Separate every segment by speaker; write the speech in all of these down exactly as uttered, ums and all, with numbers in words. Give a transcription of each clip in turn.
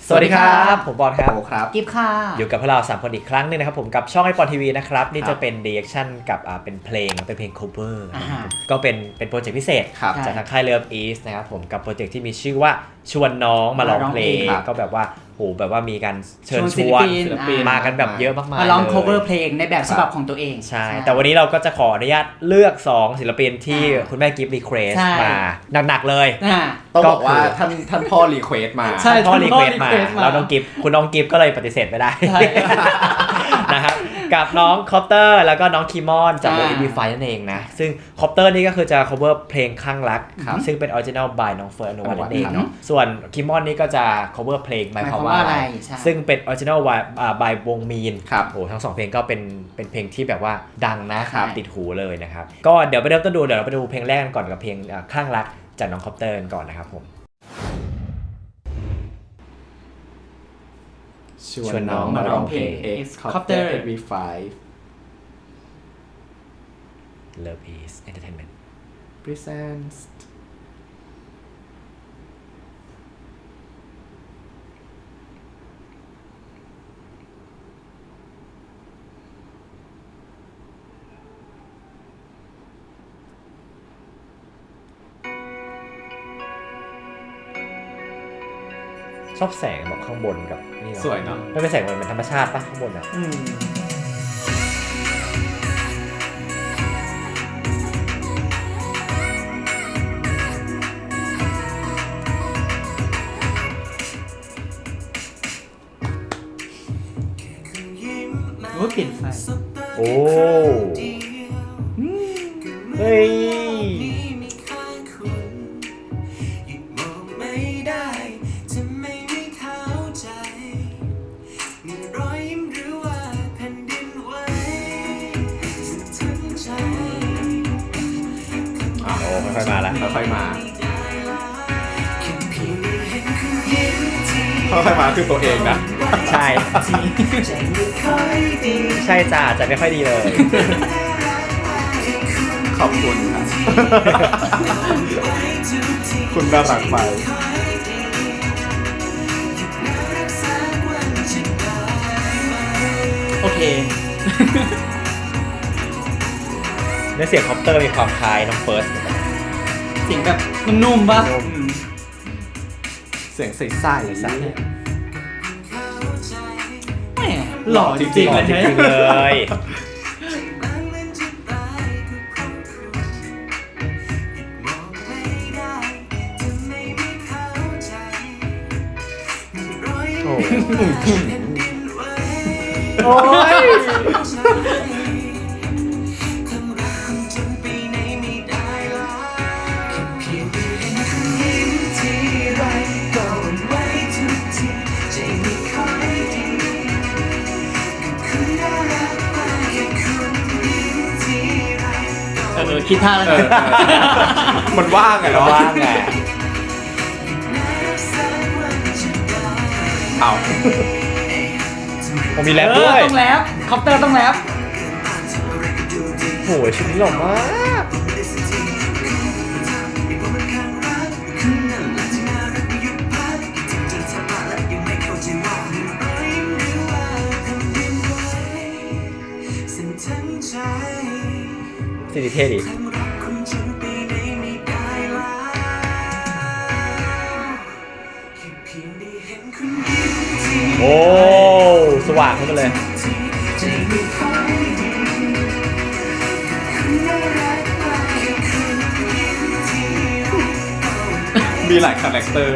Speaker 1: สวัสดีครับผมบอลครับ
Speaker 2: ครับ
Speaker 3: กิฟค่ะ
Speaker 1: อยู่กับพวกเราสามคนอีกครั้งนึงนะครับผมกับช่องไอปอนทีวีนะครับนี่จะเป็นรีแอคชั่นกับอ่าเป็นเพลงเป็นเพลง cover ก็เป็นเป็นโปรเจกต์พิเศษจากทางค่าย Love East นะครับผมกับโปรเจกต์ที่มีชื่อว่าชวนน้องมาร้องเพลงก็แบบว่าโหแบบว่ามีการเชิญชวนศิลปินมากันแบบเยอะมากๆ
Speaker 3: มาร้อง cover เพลงในแบบฉบับของตัวเอง
Speaker 1: ใช่แต่วันนี้เราก็จะขออนุญาตเลือกสองศิลปินที่คุณแม่กิฟต์รีเควสมาหนักๆเลย
Speaker 2: ต้องบอกว่าท่านท่านพ่อรีเควสมา
Speaker 1: ใช่พ่อรีเควสมาแล้วน้องกิฟต์คุณน้องกิฟต์ก็เลยปฏิเสธไม่ได้นะครับกับน้องคอปเตอร์แล้วก็น้องคีมอนจากวง อี บี ไฟว์ นั่นเองนะซึ่งคอปเตอร์นี่ก็คือจะ cover เพลงข้างรักซึ่งเป็น original by น้องเฟิร์นอนุวัฒน์นั่นเองเนาะส่วนคีมอนนี่ก็จะ cover เพลง by ภาวะอะไรซึ่งเป็น original by วงมีนโอ้ทั้งสองเพลงก็เป็นเป็นเพลงที่แบบว่าดังนะติดหูเลยนะครับก็เดี๋ยวไปเริ่มต้นดูเดี๋ยวเราไปดูเพลงแรกกันก่อนกับเพลงข้างรักจากน้องคอปเตอร์ก่อนนะครับผม
Speaker 2: ชวนน้องมาร้องเพลง X Copter เอ วี ไฟว์
Speaker 1: Love East Entertainment
Speaker 2: presents
Speaker 1: ชอบแสงแบบข้างบนกับนี่เนาะ
Speaker 2: สวยเนาะ
Speaker 1: ไม่เป็นแสงมันเป็นธรรมชาติป่ะข้างบนอ่ะ
Speaker 3: โอ้เปลี่ยนไฟ
Speaker 1: โอ้เฮ้ยค่อยๆมาแล้ว
Speaker 2: ค่อยๆมาค่อยๆมาคือตัวเองนะ
Speaker 1: ใช่ใช่จ้าจะไม่ค่อยดีเลย
Speaker 2: ขอบคุณครับคุณน่ารักไป
Speaker 3: โอเค
Speaker 1: เนื้อเสียงคอปเตอร์มีความคล้ายน้องเฟิร์ส
Speaker 3: เสียงแบบนุ่มๆป่ะ
Speaker 2: เสียงใสๆใส
Speaker 3: แหมหล่อจริงๆเลย
Speaker 1: เลยโอ้โอ้ย
Speaker 3: เออคิดท่าแล้ว
Speaker 2: มันว่างไงเนาะ
Speaker 1: ว่างไง
Speaker 2: เอา
Speaker 1: ผมมีแรปด้วย
Speaker 3: ต้องแรปคอปเตอร์ต้องแรป
Speaker 1: โหชุดนี้หล่อมากสิริเท่ดิโอ้สว่างขึ้นมาเลย
Speaker 2: มีหลายคาแรคเตอร์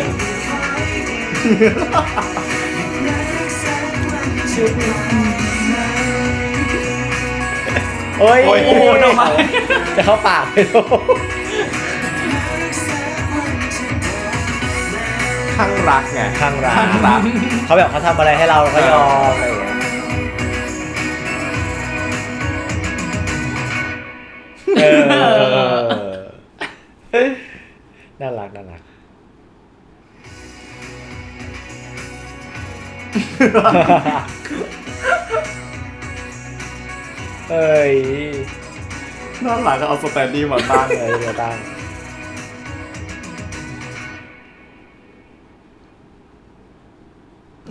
Speaker 1: โอ้ยโอ้โหดอกไม้จะเข้าปากไปโล
Speaker 2: ข้างรักไง
Speaker 1: ข้างรักเขาแบบเขาทำอะไรให้เราเราก็ยอมอะไรอย่างเงี้ยเออน่ารักน่ารักเอ้ย
Speaker 2: น่ารักก็เอาสแตนดี้มาตั้ง
Speaker 1: เลยมาตั้ง
Speaker 2: น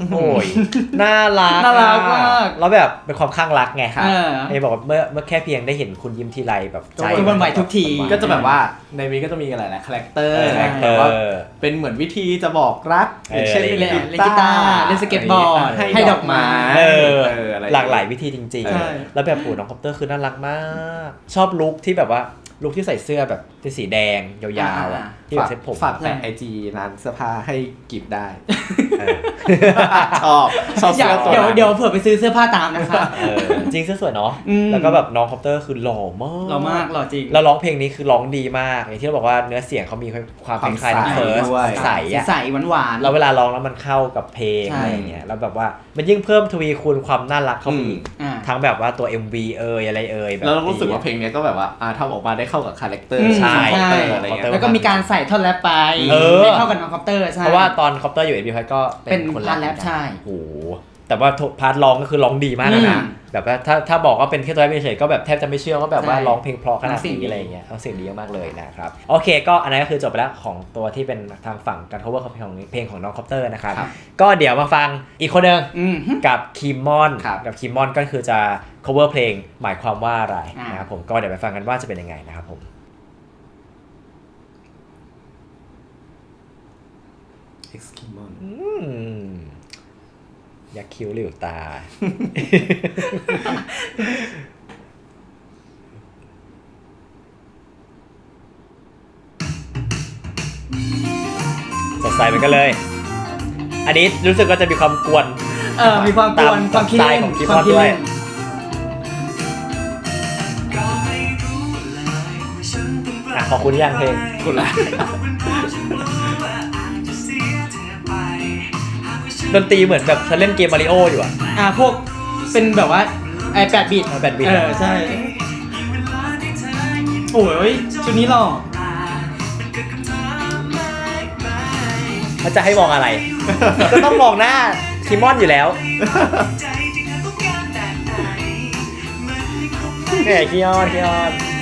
Speaker 1: โอ้ยน่ารัก
Speaker 3: น่ารักมาก
Speaker 1: แล้วแบบเป็นความข้างรักไง
Speaker 3: เออ
Speaker 1: ไอ้บอกว่าเมื่อเมื่อแค่เพียงได้เห็นคุณยิ้มทีไรแบบใจ
Speaker 3: ก็หวั่นไหวทุกที
Speaker 2: ก็จะแบบว่าในนี้ก็จะมีหลายๆคาแรคเตอร์
Speaker 1: เออ
Speaker 2: แต่ว่าเป็นเหมือนวิธีจะบอกรัก
Speaker 1: เออ
Speaker 2: อย่างเช่น
Speaker 1: อะไร
Speaker 2: เล่น
Speaker 3: เล่นกีตาร์เล่นสเก็ตบอร์ด
Speaker 2: ให้
Speaker 3: ให้
Speaker 2: ด
Speaker 3: ด
Speaker 2: อ
Speaker 3: อก ก
Speaker 2: ไม้
Speaker 3: ไม้
Speaker 1: เออ
Speaker 2: เอออะไร
Speaker 1: หลากหลายวิธีจริง
Speaker 3: ใช่
Speaker 1: ๆ แล้วแบบปู่น้องคอปเตอร์คือน่ารักมาก ชอบลุคที่แบบว่าลุคที่ใส่เสื้อแบบเป็นสีแดงยาวๆอ่ะที่แบบเซ็ตผม
Speaker 2: ฝากแปะไอจีร้านเสื้อผ้าให้กิบได้
Speaker 1: เออ
Speaker 2: ชอบชอบ
Speaker 3: อยา
Speaker 2: เสื้
Speaker 3: ก
Speaker 2: อตัว
Speaker 3: เดี๋ยว
Speaker 2: นั้น
Speaker 3: เดี๋ยวเผื่อไปซื้อเสื้อผ้าตามนะคะ
Speaker 1: เออจริงเสื้อสวยเนาะ
Speaker 3: อืม
Speaker 1: แล้วก็แบบน้องคอปเตอร์คือหล่อมาก
Speaker 3: หล่อมากหล่อจริง
Speaker 1: แล้วร้องเพลงนี้คือร้องดีมากอย่างที่เราบอกว่าเนื้อเสียงเขามีความคล้ายๆน้องเฟิร์สใสอะ
Speaker 3: ใสหวานหวานๆ
Speaker 1: แล้วเวลาร้องแล้วมันเข้ากับเพลง
Speaker 3: ใช่
Speaker 1: อะไรอย่างเงี้ยแล้วแบบว่ามันยิ่งเพิ่มทวีคูณความน่ารักเข้าไปอีก
Speaker 3: อ่า
Speaker 1: ทั้งแบบว่าตัว เอ็ม วี เอยอะไรเอยแบบ
Speaker 2: แล้วเรารู้สึกว่าเพลงเนี้ยก็แบบว่าอ่าทำออกมาได้เข้ากับคาแรคเตอร์
Speaker 3: อืม
Speaker 1: ใช่
Speaker 2: คาแรคเตอร์อะไรเงี้ย
Speaker 3: แล้วก็มีการใส่ท่อนแรปไป
Speaker 1: เออ
Speaker 3: ให้เข้ากับน้องคอปเตอร์ใช่
Speaker 1: เพราะว่าตอนคอปเตอร์อยู่เอ็ม วี ไฟก็
Speaker 3: เป็น
Speaker 1: คน
Speaker 3: พาร์ทแรปใช่
Speaker 1: โอ้โหแต่ว่าพาร์ทร้องก็คือร้องดีมากนะ
Speaker 3: อืม
Speaker 1: แบบว่าถ้าถ้าบอกว่าเป็นแค่ตัวแรปเฉยๆก็แบบแทบจะไม่เชื่อว่าแบบว่า
Speaker 3: ใช่
Speaker 1: ร้องเพลงเพราะขนาด
Speaker 3: เสียงดี
Speaker 1: นี้อะไรอย่างเงี้ยเอาเสียงดีมากๆเลยนะครับโอเคก็อันนั้นก็คือจบไปแล้วของตัวที่เป็นทางฝั่งการ cover ของเพลงของเพลงของน้องคอปเตอร์นะครับ
Speaker 2: ครับ
Speaker 1: ก็เดี๋ยวมาฟังอีกคนหนึ่ง
Speaker 3: อืม
Speaker 1: กับคิมมอน
Speaker 2: ครับ
Speaker 1: กับคิมมอนก็คือจะ cover เพลงหมายความว่าอะไร
Speaker 3: อ่าน
Speaker 1: นะครับผมก็เดี๋ยวไปฟังกันว่าจะเป็นยังไงนะครับผม
Speaker 2: Eskimon
Speaker 1: อืมยักษ์คิ้วหลิวตา สดใสเหมือนกันเลย อันนี้รู้สึกว่าจะมีความกวน
Speaker 3: เออมีความกวน
Speaker 1: ตาม
Speaker 3: ความคิด
Speaker 1: สไตล์
Speaker 3: เล่น
Speaker 1: ของคิม
Speaker 3: ความ
Speaker 1: มอน
Speaker 3: คิด
Speaker 1: ด้วย
Speaker 3: เล่น
Speaker 1: อ่ะขอบคุณยังเพลง
Speaker 2: คุณละ
Speaker 1: ดนตรีเหมือนแบบฉันเล่นเกมมาริโออยู่อ่ะ
Speaker 3: อ่าพวกเป็นแบบว่าไอแปดบิต
Speaker 1: เอาแปดบิต
Speaker 3: เออใช่โอ้ยชุดนี้หล่อ
Speaker 1: เขาจะให้มองอะไร ก็ต้องมองหน้าคิมมอนอยู่แล้วแหมคิออนคิออน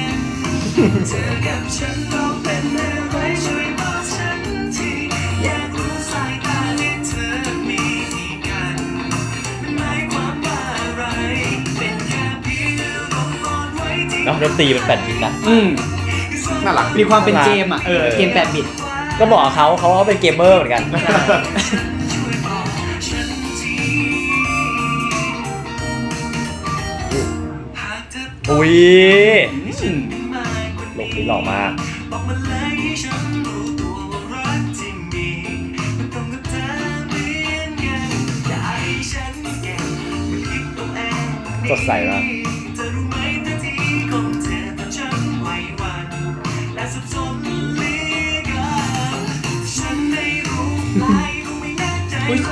Speaker 1: เนาะดนตรีเป็นแปดบิตนะ
Speaker 3: อืม
Speaker 2: น่ารัก
Speaker 3: มีความเป็น
Speaker 1: น่ารัก
Speaker 3: เกมอ่ะเออ
Speaker 1: เออ
Speaker 3: เกมแปดบิต
Speaker 1: ก็บอกเขาเขาเขาเป็นเกมเมอร์เหมือนกัน อุ้ย
Speaker 3: อืม
Speaker 1: ลงนี้หล่อมาก สดใสมาก
Speaker 3: อุ๊ย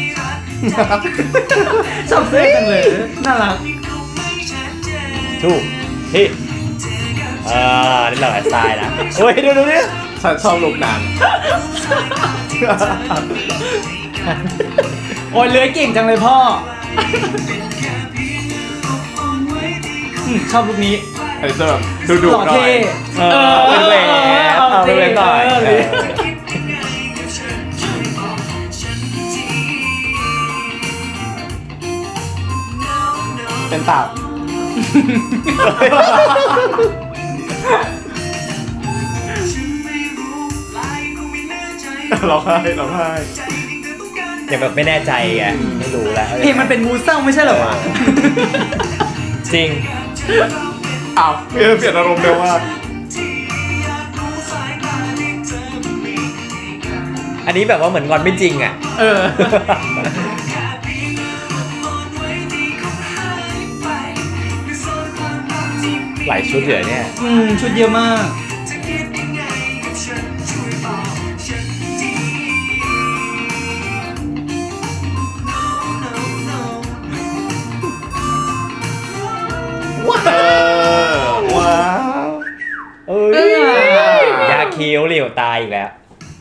Speaker 3: ชอบเสื้อจังเลยน่ารัก
Speaker 1: ถูกที่อ่านี่เราแอดสไตล์นะโอ้ยดูดูนี่
Speaker 2: ฉันชอบลูกนาง
Speaker 3: โอ้ยเลื้อยเก่งจังเลยพ่ออืมชอบลุคนี้
Speaker 2: ไอ้เจ้าดูดู
Speaker 3: หล่อ
Speaker 2: หน่อ
Speaker 3: เท่
Speaker 2: ย
Speaker 1: เออเป็นแหวนเอาเป็นแหวนหน่อย
Speaker 3: เออ
Speaker 1: เออ
Speaker 2: เป็นตับร้องไห้ร้องไห้
Speaker 1: อย่างแบบไม่แน่ใจไงไม่รู้แล้ว
Speaker 3: เพลงมันเป็นมูเศร้าไม่ใช่เหรอวะ
Speaker 1: จริง
Speaker 2: อ้าวเปลี่ยนเปลี่ยนอารมณ์เร็วมาก
Speaker 1: อันนี้แบบว่าเหมือนงอนไม่จริงอ่ะ
Speaker 3: เออ
Speaker 1: หลายชุดเหลือเนี่ย
Speaker 3: อืมชุดเยอะมาก
Speaker 2: เออว้าว
Speaker 1: เอ้ย
Speaker 3: เออ
Speaker 1: ยาคิ้วเหลียวตายอีกแล้ว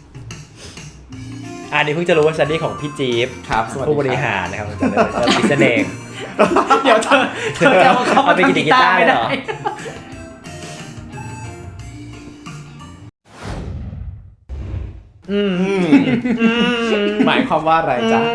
Speaker 1: อันนี้เพิ่งจะรู้ว่าซันดี้ของพี่จี๊บ
Speaker 2: ครับสวัสดี
Speaker 1: ผู้บริหารนะครับจะเลยจะพิเศษเอง
Speaker 3: เดี๋ยวเธอเธอจะเอาเขามา
Speaker 1: เอาไปกิน
Speaker 3: ทำกี
Speaker 1: กี
Speaker 3: ตา
Speaker 1: ตาร์
Speaker 3: ร์ไม่
Speaker 1: เหร
Speaker 3: ได้
Speaker 1: อ อืม
Speaker 2: อืมหมายความว่าอะไรจ๊ะ
Speaker 1: อืม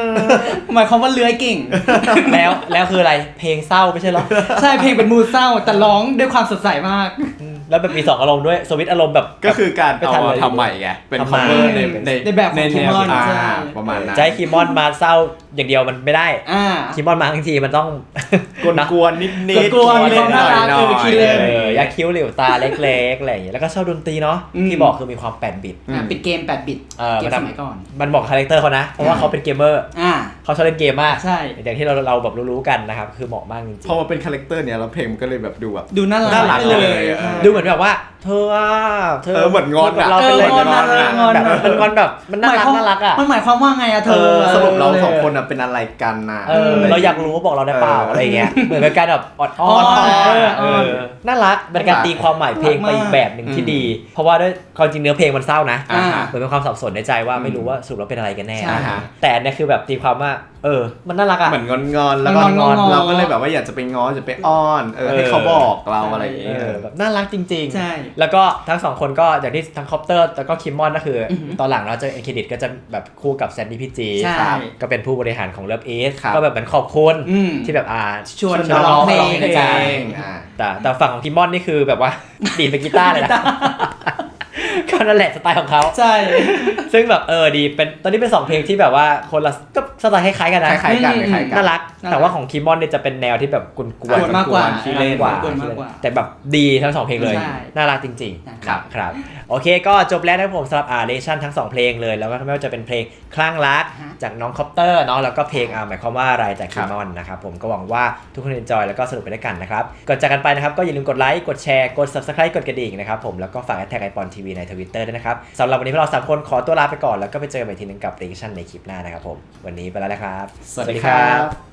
Speaker 3: หมายความว่าเลื้อยเก่ง
Speaker 1: แล้วแล้วคืออะไรเพลงเศร้าไม่ใช่เหรอ
Speaker 3: ใช่เพลงเป็นมูดเศร้าแต่ร้องด้วยความสดใสมาก
Speaker 1: แล้วแบบมีสองอารมณ์ด้วยสวิตช์อารมณ์แบบ
Speaker 2: ก็คือการ
Speaker 1: ไม่
Speaker 2: เอา
Speaker 1: ทันเลย
Speaker 2: ทำใหม่ไงเป็น
Speaker 1: ทำใหม่
Speaker 2: cover ใน
Speaker 1: ใน
Speaker 3: ในแบบของ Kimon
Speaker 2: อ่า
Speaker 3: ใช่
Speaker 2: ประมาณนั้น
Speaker 1: จะให้คีมอนมาเศร้าอย่างเดียวมันไม่ได้
Speaker 3: อ่า
Speaker 1: คีมอนมาทั้งทีมันต้อง
Speaker 2: กวนๆนิดๆ
Speaker 3: กวนๆ
Speaker 2: เล่นหน่อย
Speaker 3: น่ารัก
Speaker 2: หน่
Speaker 3: เอ
Speaker 2: อ
Speaker 3: อขี้
Speaker 2: ย
Speaker 3: เล่น
Speaker 1: เอออยากคิ้วหลิวตาเล็กๆอะไรอย่างเงี้ยแล้วก็ชอบดนตรีเนาะ
Speaker 3: อืม
Speaker 1: ที่บอกคือมีความแปดบิต
Speaker 3: อ่าเป็นเกมแปดบิต
Speaker 1: เออ
Speaker 3: เกม
Speaker 1: มัน
Speaker 3: ส
Speaker 1: ทำ
Speaker 3: มัยก่อน
Speaker 1: มันบอกคาแรคเตอร์เขานะ เพราะว่าเขาเป็นเกมเมอร์
Speaker 3: อ่า
Speaker 1: เขาชอบเล่นเกมมาก
Speaker 3: ใช่
Speaker 1: อย่างที่เราเราแบบรู้ๆกันนะครับคือเหมาะมากจริง
Speaker 2: พอมาเป็นคาแรคเตอร์เนี่ยแล้วเพลงมันก็เลยแบบดูแบบ
Speaker 3: ดูน่ารัก
Speaker 2: น่ารัก
Speaker 3: ไปเลย
Speaker 2: เลยเออ
Speaker 1: ๆดูเหมือนแบบว่าเธออ่ะเธอ
Speaker 2: เออเหมือนงอน
Speaker 1: กับ
Speaker 2: อะ
Speaker 1: เราเป็นเลย
Speaker 3: เอองอนอะ
Speaker 1: งอนแบบเป็นงอนแบบมันน่ารักน่ารักอ่ะ
Speaker 3: มันหมายความว่าไงอะเธ
Speaker 2: เอ
Speaker 3: อ
Speaker 2: อสรุปเราสองคนอะเป็นอะไรกันนะ
Speaker 1: เออเราอยากรู้บอกเราได้เปล่า
Speaker 2: เอออ
Speaker 1: อะไรเงี้ยเหมือนเป็นการแบบออดอ้อน
Speaker 3: อ้อน
Speaker 1: เออ
Speaker 3: อ้อน
Speaker 1: เออน่ารักเป็นการตีความหมายเพลงไปอีกแบบหนึ่งที่ดี เพราะว่าด้วยความจริงเนื้อเพลงมันเศร้านะ
Speaker 2: อ่าฮะ
Speaker 1: เหมือนเป็นความสับสนในใจว่าไม่รู้ว่าสรุปแล้วเป็นอะไรกันแน่
Speaker 3: ใช่
Speaker 2: ฮะ
Speaker 1: แต่อันเนี่ยคือแบบตีความว่า เออ มันน่ารักอ่ะ
Speaker 2: เหมือนงอนๆแล้วก็
Speaker 3: งอนๆ
Speaker 2: เราก็เลยแบบว่าอยากจะไปง้อจะไปอ้อนเออให้เขาบอกเราอะไรอย่าง
Speaker 1: เอ
Speaker 2: เงี้ย
Speaker 1: อแบบน่ารักจริงๆ
Speaker 3: ใช่
Speaker 1: แล้วก็ทั้งสองคนก็อย่างที่ทั้งคอปเตอร์แล้วก็คิมมอนก็คืออ
Speaker 3: อหือ
Speaker 1: ตอนหลังเราจะเอ็นเครดิตก็จะแบบคู่กับแซนดี้พีจี
Speaker 3: ใช่
Speaker 1: ครับก็เป็นผู้บริหารของเลิฟอีส
Speaker 2: ครับ
Speaker 1: ก็แบบเหมือนขอบคุณ
Speaker 3: อืม
Speaker 1: ที่แบบอ่า
Speaker 3: ชวน
Speaker 1: ชวน
Speaker 3: ร้องเพลง
Speaker 1: ร้องเพลง
Speaker 2: อ่า
Speaker 1: แต่แต่ฝั่งของคิมมอนนี่คือแบบว่า ดีดเป็นกีตาร์เลยนะก็นั่นแหละสไตล์ของเขา
Speaker 3: ใช่
Speaker 1: ซึ่งแบบเออดีเป็นตอนนี้เป็นสองเพลงที่แบบว่าคนละก็สไตล์คล้ายๆกันนะ
Speaker 2: คล้ายๆกัน
Speaker 3: อืม
Speaker 2: คล้ายๆกัน
Speaker 1: น่ารัก
Speaker 3: น่ารัก
Speaker 1: แต่ว่าของคิมมอนเนี่ยจะเป็นแนวที่แบบกวนๆ
Speaker 3: กวนมากกว่า
Speaker 1: ขี้เล่น
Speaker 3: กวนมากกว่า
Speaker 1: แต่แบบดีทั้งสองเพลงเลย
Speaker 3: ใช่
Speaker 1: น่ารักจริง
Speaker 3: ใช่
Speaker 1: ๆครับครับโอเคก็จบแล้วนะครับผมสำหรับอาร์เรชั่นทั้งสองเพลงเลยแล้วก็ไม่ว่าจะเป็นเพลงคลั่งรัก
Speaker 3: ฮะ
Speaker 1: จากน้องคอปเตอร์เนาะแล้วก็เพลงอ่าหมายความว่าอะไรจาก
Speaker 2: ครั
Speaker 1: คิ
Speaker 2: บ
Speaker 1: มมอนนะครับผมก็หวังว่าทุกคนเอนจอยแล้วก็สนุกไปด้วยกันนะครับก่อนจากกันไปนะครับก็อย่าลืมกดไลค์กดแชร์กด ซับสไครบ์ กดกระดิ่งนะครับผมแล้วก็ฝากแท็กไอปอนทีวีใน ทวิตเตอร์ ด้วยนะครับสำหรับวันนี้พวกเราสามคนขอตัวลาไปก่อนแล้วก็ไปเจอกันใหม่ทีนึงกับเรชั่นในคลิปหน้านะครับผมวันนี้ไปแล้วนะครับ
Speaker 2: สวัสดีครับ